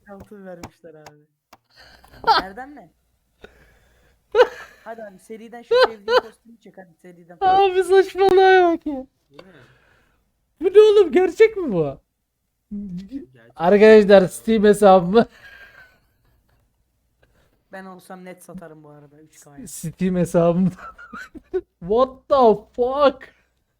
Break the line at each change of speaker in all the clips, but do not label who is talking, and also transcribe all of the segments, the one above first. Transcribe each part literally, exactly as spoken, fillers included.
altın vermişler abi. Nereden ne? Hadi abi seriden şu sevdiğin kostümü çek hadi seriden.
Abi saçmalığa bak ya.
Bu ne?
Bu ne oğlum, gerçek mi bu?
Gerçek
Arkadaşlar
ya.
Steam hesabımı
Ben olsam net satarım bu arada üç K'ya.
Steam hesabımda. What the fuck?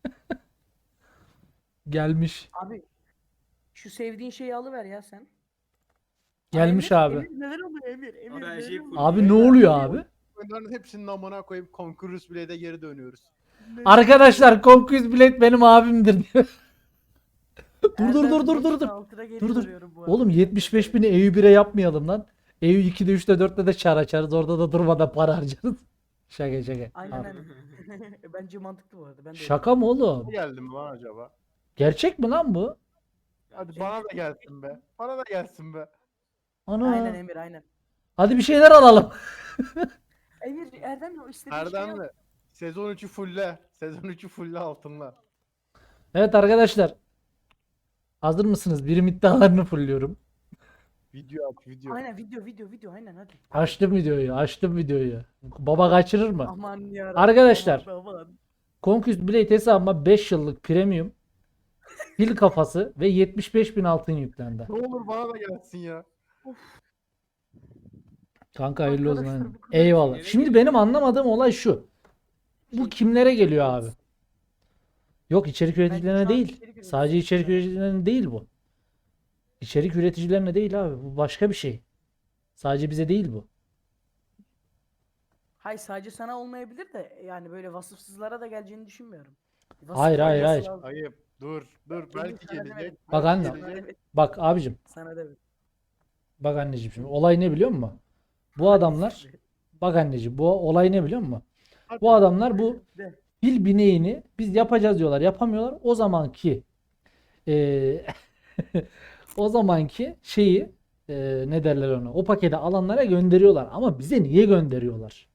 Gelmiş.
Abi şu sevdiğin şeyi alıver ya sen.
Gelmiş
Emir,
abi.
Emir neler oluyor Emir? Emir
Abi her
neler
şey
oluyor?
full.
Abi ne oluyor abi?
Bunların hepsinin amına koyup Conqueror's Blade'e geri dönüyoruz.
Arkadaşlar Conquest Blade benim abimdir diyor. Dur dur dur dur dur dur. Dur dur. Oğlum yetmiş beş bini E U bire yapmayalım lan. E U ikide üçte dörtte de çar açarız. Orada da durmadan para harcarız. Şaka şaka.
Aynen
Abi.
aynen. Bence mantıklı bu arada. Ben de
Şaka mı oğlum?
Ne geldi mi lan acaba?
Gerçek mi lan bu?
Hadi bana da gelsin be. Bana da gelsin be.
Ana.
Aynen Emir aynen.
Hadi bir şeyler alalım.
Emir Erdem o istediğin şeyi al.
Erdemli. Sezon üçü fulle. Sezon üçü fulle altınla.
Evet arkadaşlar. Hazır mısınız? Birim iddialarını fulluyorum.
Video at video.
Aynen video video video aynen hadi.
Açtım videoyu. Açtım videoyu. Baba kaçırır mı?
Aman ya.
Arkadaşlar.
Aman, aman.
Conquest Blade hesabıma beş yıllık premium pil kafası ve yetmiş beş bin altın yüklendi.
Ne olur bana da gelsin ya.
Kanka hayırlı olsun.
Arkadaşlar,
aynen.
bu kadar
Eyvallah.
şey
Şimdi
geliyor.
benim anlamadığım olay şu. Bu kimlere geliyor abi? Yok, içerik üreticilerine
şu an
değil.
içerik üreticisi.
Sadece içerik üreticilerine değil bu. İçerik üreticilerine değil abi. Bu başka bir şey. Sadece bize değil bu.
Hayır sadece sana olmayabilir de yani böyle vasıfsızlara da geleceğini düşünmüyorum. Vasıf
Hayır, hayır,
olması
hayır.
lazım.
Ayıp. Dur. Dur. Belki
Sana
gelecek.
demedim.
Bak
belki
anne.
Sana
gelecek.
demedim.
Bak abicim.
Sana demedim.
Bak anneciğim şimdi. Olay ne biliyor musun? Bu adamlar. Bak anneciğim. Bu olay ne biliyor musun?
Hadi.
Bu adamlar bu
De.
pil bineğini biz yapacağız diyorlar. Yapamıyorlar. O zamanki eee o zamanki şeyi eee, ne derler ona? O paketi alanlara gönderiyorlar. Ama bize niye gönderiyorlar?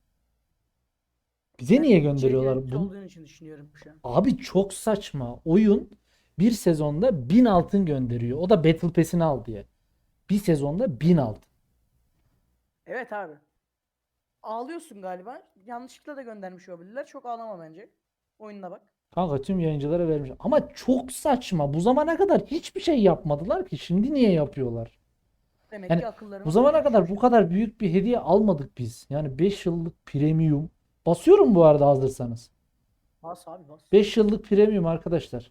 Bize niye
Ben
gönderiyorlar?
içerik
Bunu-
olduğunu için düşünüyorum şu an.
Abi çok saçma. Oyun bir sezonda bin altın gönderiyor. O da Battle Pass'ini al diye. Bir sezonda bin altın.
Evet abi. Ağlıyorsun galiba. Yanlışlıkla da göndermiş olabilirler. Çok ağlama bence. Oyununa bak.
Kanka tüm yayıncılara vermiş. Ama çok saçma. Bu zamana kadar hiçbir şey yapmadılar ki. Şimdi niye yapıyorlar?
Demek
Yani
ki akıllarına
Bu zamana
uymuş.
kadar bu kadar büyük bir hediye almadık biz. Yani beş yıllık premium. Basıyorum bu arada hazırsanız.
Bas abi bas.
beş yıllık premium arkadaşlar.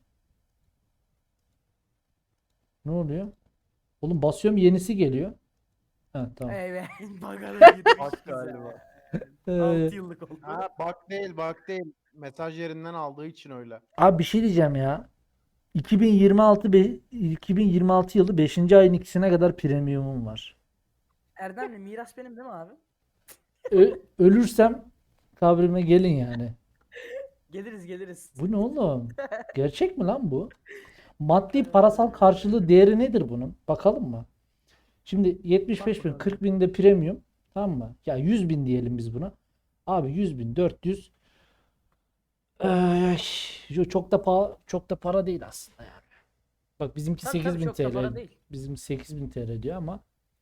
Ne oluyor? Oğlum basıyorum, yenisi geliyor. Ha tamam.
Evet. Bagara gitmiş
Bak
bize.
galiba.
Ee,
altı yıllık oldu.
Ha bak değil bak değil. Mesaj yerinden aldığı için öyle.
Abi bir şey diyeceğim ya. iki bin yirmi altı be- iki bin yirmi altı yılı beşinci ayın ikisine kadar premiumum var.
Erdemli miras benim değil mi abi?
Ö- ölürsem kabrime gelin yani.
Geliriz geliriz.
Bu ne oğlum? Gerçek mi lan bu? Maddi parasal karşılığı değeri nedir bunun? Bakalım mı? Şimdi yetmiş beş bin,
bakalım.
kırk bin de premium. Tamam mı? Ya yüz bin diyelim biz buna. Abi yüz bin, dört yüz. Ee, yo, çok da pa çok da para değil aslında yani. Bak bizimki
Tabii, tabii,
sekiz bin
çok da para
T L.
değil.
Bizim sekiz bin T L diyor ama.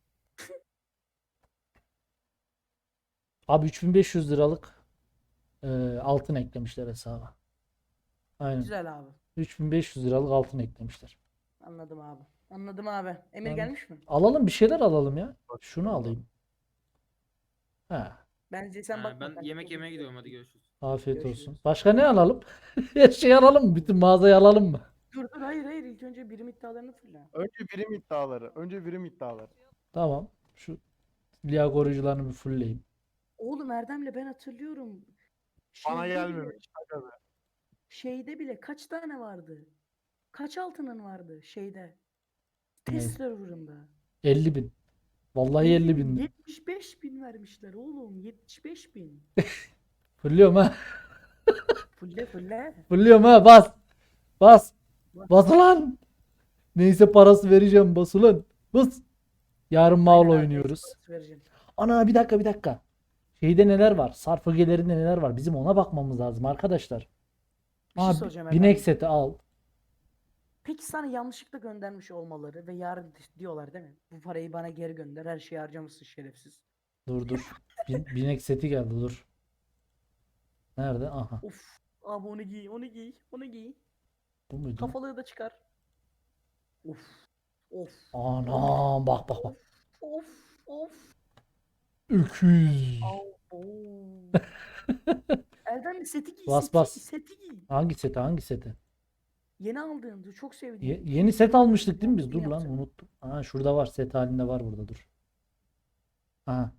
Abi üç bin beş yüz liralık e, altın eklemişler hesaba. Aynen.
Güzel abi.
üç bin beş yüz liralık altın eklemişler.
Anladım abi. Anladım abi. Emir
Anladım.
gelmiş mi?
Alalım, bir şeyler alalım ya. Şunu alayım. Ha,
Bence sen
Ha,
bakma.
ben
sen
yemek
çok
yemeye
iyi.
gidiyorum, hadi görüşürüz.
afiyet
Görüşürüz.
olsun. Başka ne alalım? Her şeyi alalım mı? Bütün mağazayı alalım mı?
Dur dur hayır hayır ilk önce birim iddialarını fırla.
Önce birim iddiaları. Önce birim iddiaları.
Tamam. Şu liya koruyucularını bir fullleyeyim.
Oğlum Erdem'le ben hatırlıyorum.
Bana
Şeyde bile-
gelmemiş. Aga be.
Şeyde bile kaç tane vardı? Kaç altının vardı şeyde?
Ne?
Test server'ında.
elli bin. Vallahi elli bin.
yetmiş beş bin vermişler oğlum. yetmiş beş bin.
Fulluyorum ha.
Fulle fulle.
Fulluyorum ha. Bas. Bas. Bas ulan. Neyse parası vereceğim. Bas ulan. Bas. Yarın Maul
Aynen abi,
oynuyoruz.
parası vereceğim.
Ana bir dakika bir dakika. Şeyde neler var? Sarf ögelerinde neler var? Bizim ona bakmamız lazım arkadaşlar.
Bir şey
Aa,
soracağım
binek
Erdem.
seti al.
Peki sana yanlışlıkla göndermiş olmaları ve yarın di- diyorlar değil mi? Bu parayı bana geri gönder. Her şeyi harcamışsın şerefsiz.
Dur dur. Bin, binek seti geldi dur. Nerede? Aha.
Of. Abi onu giy, onu giy, onu giy.
Bu muydu?
Kafalığı da çıkar. Of. Of.
Anam bak bak bak.
Of. Of.
Öküz.
Au, oo. Erdem seti giy,
Bas
seti,
bas.
seti giy.
Hangi seti hangi seti?
Yeni aldığımda çok sevdim.
Ye- yeni set almıştık değil mi biz?
Yeni
Dur lan
yapacağım.
unuttum. Aa şurada var, set halinde var burada, dur. Aha.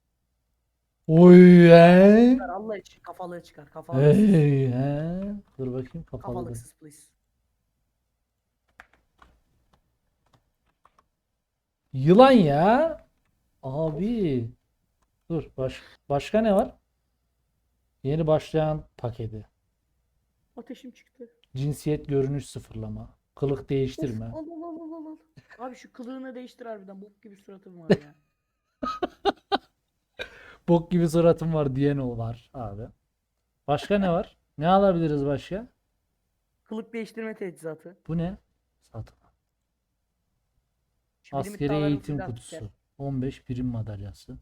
Oy he.
Çıkar, Allah için kafalığı çıkar. Kafalığı.
Hey he. Dur bakayım kapalı.
Kafalıksız please.
Yılan ya. Abi. Dur baş, başka ne var? Yeni başlayan paketi.
Ateşim çıktı.
Cinsiyet görünüş sıfırlama. Kılık değiştirme.
Of, al al al al al. Abi şu kılığını değiştir harbiden. Bok gibi suratım var ya.
Bok gibi suratım var diyen o var abi. Başka ne var? Ne alabiliriz başka?
Kılık değiştirme teçhizatı.
Bu ne? Satın.
Şu benim
Askeri
iddialarım
eğitim
full
kutusu.
artık
on beş prim madalyası.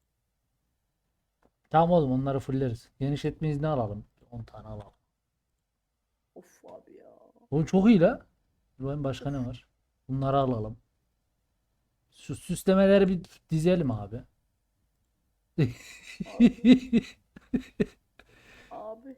Tamam oğlum onları fulleriz. Genişletme izni alalım. on tane alalım.
Of abi ya.
Oğlum çok iyi la. Dur bakayım başka ne var? Bunları alalım. Şu süslemeleri bir dizelim abi.
Abi.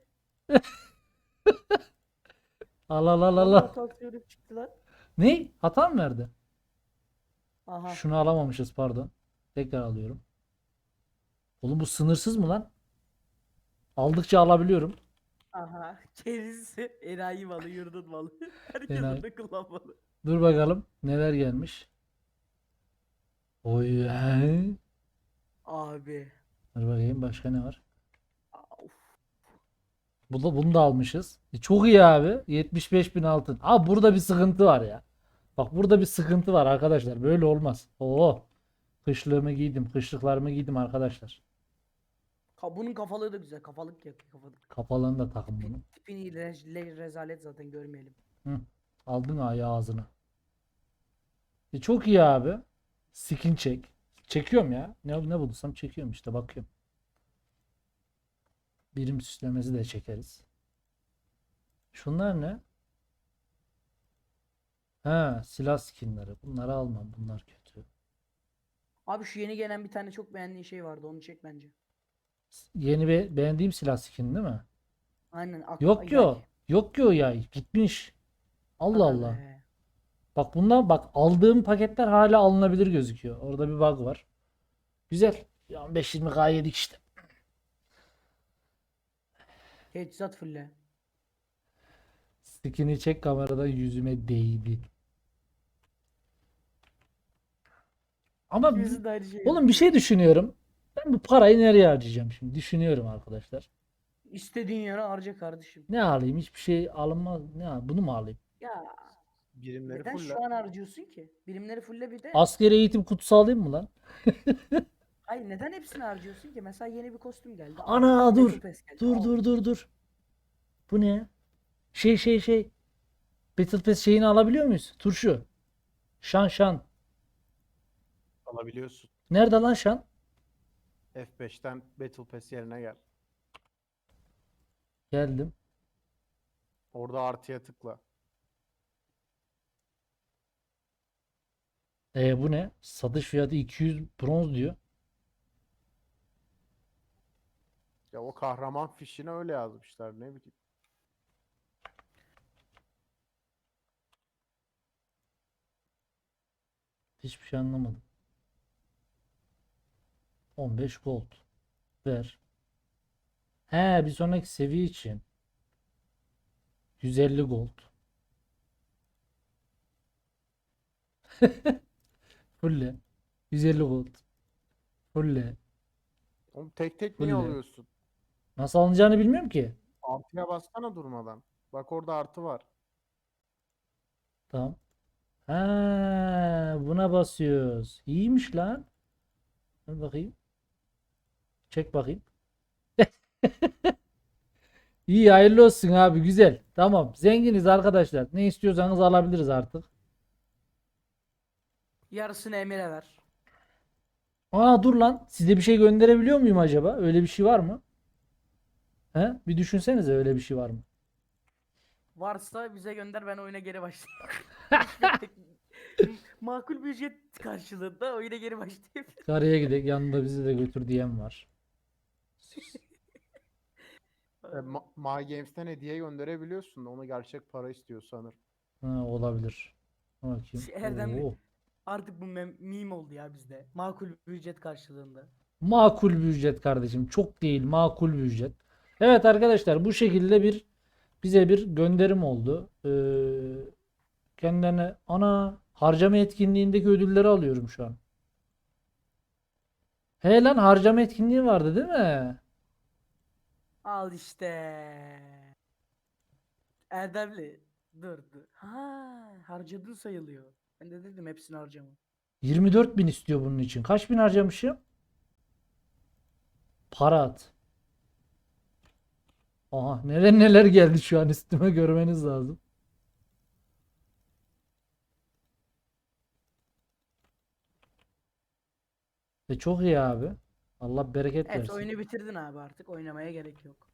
Al al al al.
Allah
al.
tansiyonum çıktı lan.
Ne? Hata mı verdi?
Aha.
Şunu alamamışız pardon. Tekrar alıyorum. Oğlum bu sınırsız mı lan? Aldıkça alabiliyorum.
Aha. Kendisi enayi malı, yurdun malı. Herkes
Enayi.
onu kullanmalı.
Dur bakalım neler gelmiş. Oy he.
Abi.
Dur bakayım başka ne var?
Of.
Bu da, bunu da almışız. E, çok iyi abi. yetmiş beş bin altın. Abi burada bir sıkıntı var ya. Bak burada bir sıkıntı var arkadaşlar. Böyle olmaz. Oo. Kışlığımı giydim. Kışlıklarımı giydim arkadaşlar.
Ka- Bunun kafalığı da güzel. Kafalık ya. Kafalık.
Kapalığını da takın bunu.
Tipini re- le- rezalet zaten görmeyelim.
Hı. Aldın ayağı ağzına. E, çok iyi abi. Skin çek. Çekiyorum ya. Ne, ne bulursam çekiyorum işte bakıyorum. Birim süslemesi de çekeriz. Şunlar ne? Ha, silah skinleri. Bunları almam. Bunlar kötü.
Abi şu yeni gelen bir tane çok beğendiğin şey vardı. Onu çek bence.
Yeni be beğendiğim silah skin değil mi?
Aynen. ak-
Yok
ay-
ki o. Yok ki o yay. Gitmiş. Allah
Aga
Allah.
be.
Bak bundan bak aldığım paketler hala alınabilir gözüküyor. Orada bir bug var. Güzel. on beş yirmi K yedik işte.
Teçhizat fulle.
Skin'i çek kameradan yüzüme değdi. Ama
İkimizin de aynı şey.
oğlum bir şey düşünüyorum. Ben bu parayı nereye harcayacağım şimdi? Düşünüyorum arkadaşlar.
İstediğin yere harca kardeşim.
Ne alayım? Hiçbir şey alınmaz. Ne al- Bunu mu alayım?
Ya
Birimleri
neden
full.
şu an harcıyorsun ki? Birimleri fulle bir de.
Askeri eğitim kutusu alayım mı lan?
Hayır neden hepsini harcıyorsun ki? Mesela yeni bir kostüm geldi.
Ana,
Al.
dur.
Battle Pass geldi.
Dur
Al.
dur dur dur. Bu ne? Şey şey şey. Battle Pass şeyini alabiliyor muyuz? Turşu. Şan şan.
Alabiliyorsun.
Nerede lan şan?
F beşten Battle Pass yerine gel.
Geldim.
Orada artıya tıkla.
E bu ne? Satış fiyatı iki yüz bronz diyor.
Ya o kahraman fişine öyle yazmışlar ne bileyim.
Hiçbir şey anlamadım. on beş gold. Ver. He bir sonraki seviye için. yüz elli gold. Fulle. yüz elli gold. Fulle.
Oğlum tek tek niye
Fulle.
alıyorsun?
Nasıl alınacağını bilmiyorum ki.
Artıya bassana durmadan. Bak orada artı var.
Tamam. Ha, buna basıyoruz. İyiymiş lan. Dur bakayım. Çek bakayım. İyi hayırlı olsun abi güzel. Tamam. Zenginiz arkadaşlar. Ne istiyorsanız alabiliriz artık.
Yarısını Emir'e ver.
Aa dur lan. Size bir şey gönderebiliyor muyum acaba? Öyle bir şey var mı? He? Bir düşünsenize öyle bir şey var mı?
Varsa bize gönder, ben oyuna geri başlayayım. Makul bir ücret karşılığında oyuna geri başlayayım.
Karaya gidelim. Yanında bizi de götür diyen var.
E, Ma- My Games'ten hediye gönderebiliyorsun da onu gerçek para istiyor sanırım.
Ha, olabilir. Bakayım.
Şey, Erdemli.
Oo.
Artık bu mem- meme oldu ya bizde. Makul bir ücret karşılığında.
Makul bir ücret kardeşim. Çok değil, makul bir ücret. Evet arkadaşlar, bu şekilde bir bize bir gönderim oldu. Ee, kendilerine ana harcama etkinliğindeki ödülleri alıyorum şu an. He lan, harcama etkinliği vardı değil mi?
Al işte. Erdemli. Dur dur. Ha, harcadın sayılıyor. Ben de dedim hepsini harcama.
yirmi dört bin istiyor bunun için. Kaç bin harcamışım? Para at. Aha, neler neler geldi şu an üstüme, görmeniz lazım. E çok iyi abi. Allah bereket
Evet,
versin.
oyunu bitirdin abi, artık oynamaya gerek yok.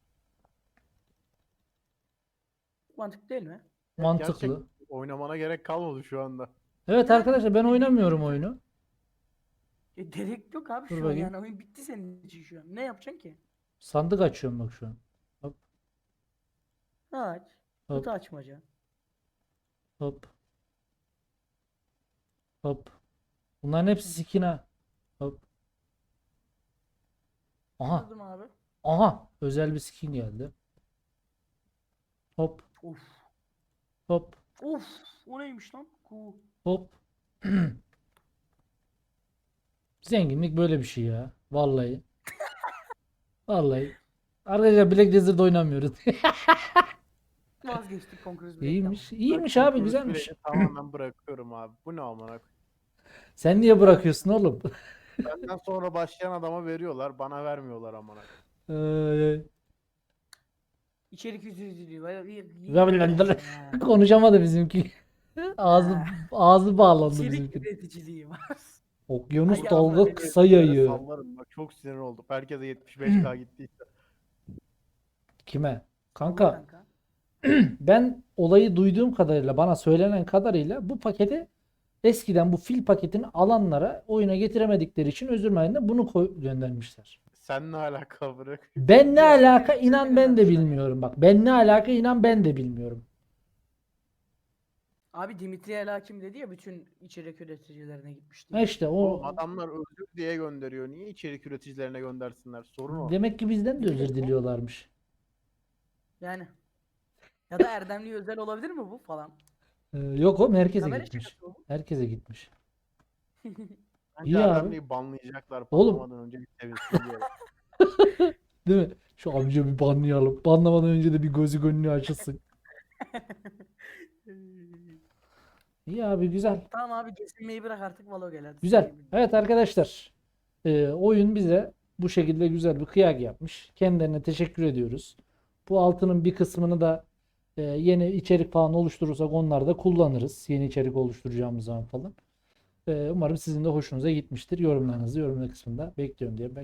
Mantıklı değil mi?
Mantıklı.
Gerçek oynamana gerek kalmadı şu anda.
Evet
Yani
arkadaşlar, ben oynamıyorum oyunu.
E, gerek yok abi
Dur
şu an,
bakayım.
yani oyun bitti senin için şu an. Ne yapacaksın ki?
Sandık açıyorum bak şu an. Hop
Aç.
Hop.
Kutu açmaca.
hop. Hop. Bunların hepsi skin ha. Hop. Aha.
Anladım abi.
Aha. Özel bir skin geldi. Hop.
Of.
Hop.
Of. O neymiş lan? Cool.
Hop. Zenginlik böyle bir şey ya. Vallahi. Vallahi. Arkadaşlar Black Desert oynamıyoruz.
Vazgeçtik Conqueror's Blade.
İyiymiş.
Tamam.
İyiymiş
Ben
abi,
Conqueror's
güzelmiş.
Blade'i tamamen bırakıyorum abi. Bu ne amına koyayım?
Sen niye bırakıyorsun oğlum?
Benden sonra başlayan adama veriyorlar, bana vermiyorlar amına koyayım.
Ay, ay.
İçerik ücretli.
Vay- Konuşamadı bizimki. Ağzı ağzı bağlandı
İçerik
bizimki.
üreticiliği var.
Okyanus
Ay,
dalga
Allah,
kısa
Böyle
yayıyor.
Sallarım bak, çok sinir oldum. Herkese yetmiş beş K gittiyse.
Kime? Kanka
Kanka.
ben olayı duyduğum kadarıyla, bana söylenen kadarıyla bu paketi eskiden bu fil paketini alanlara oyuna getiremedikleri için özür mahiyetinde bunu koy göndermişler.
Sen ne alaka bırak?
Ben ne
Ya,
alaka
evet,
inan
öyle
ben de
göndermişler.
bilmiyorum bak. Ben ne alaka inan ben de bilmiyorum.
Abi Dimitri El Hakim dedi ya, bütün içerik üreticilerine gitmişti.
Ha işte o
Oğlum adamlar özür diye gönderiyor. Niye içerik üreticilerine göndersinler? Sorun o.
demek ki bizden de özür diliyorlarmış.
Yani. Ya da Erdemli'ye özel olabilir mi bu falan?
Ee, yok oğlum, herkese
Kamera
gitmiş.
şakası bu.
Herkese gitmiş.
Bence
İyi abi.
Erdemli'yi banlayacaklar.
Oğlum.
Banlamadan önce bir sevinsin diye.
Değil mi? Şu amca bir banlayalım. Banlamadan önce de bir gözü gönlü açılsın. İyi abi, güzel.
Tamam abi, kesilmeyi bırak artık, Valo gel hadi.
Güzel.
Seni-
Evet arkadaşlar. Ee, oyun bize bu şekilde güzel bir kıyak yapmış. Kendilerine teşekkür ediyoruz. Bu altının bir kısmını da e, yeni içerik falan oluşturursak onları da kullanırız. Yeni içerik oluşturacağımız zaman falan. Ee, umarım sizin de hoşunuza gitmiştir. Yorumlarınızı yorumlar kısmında bekliyorum diye.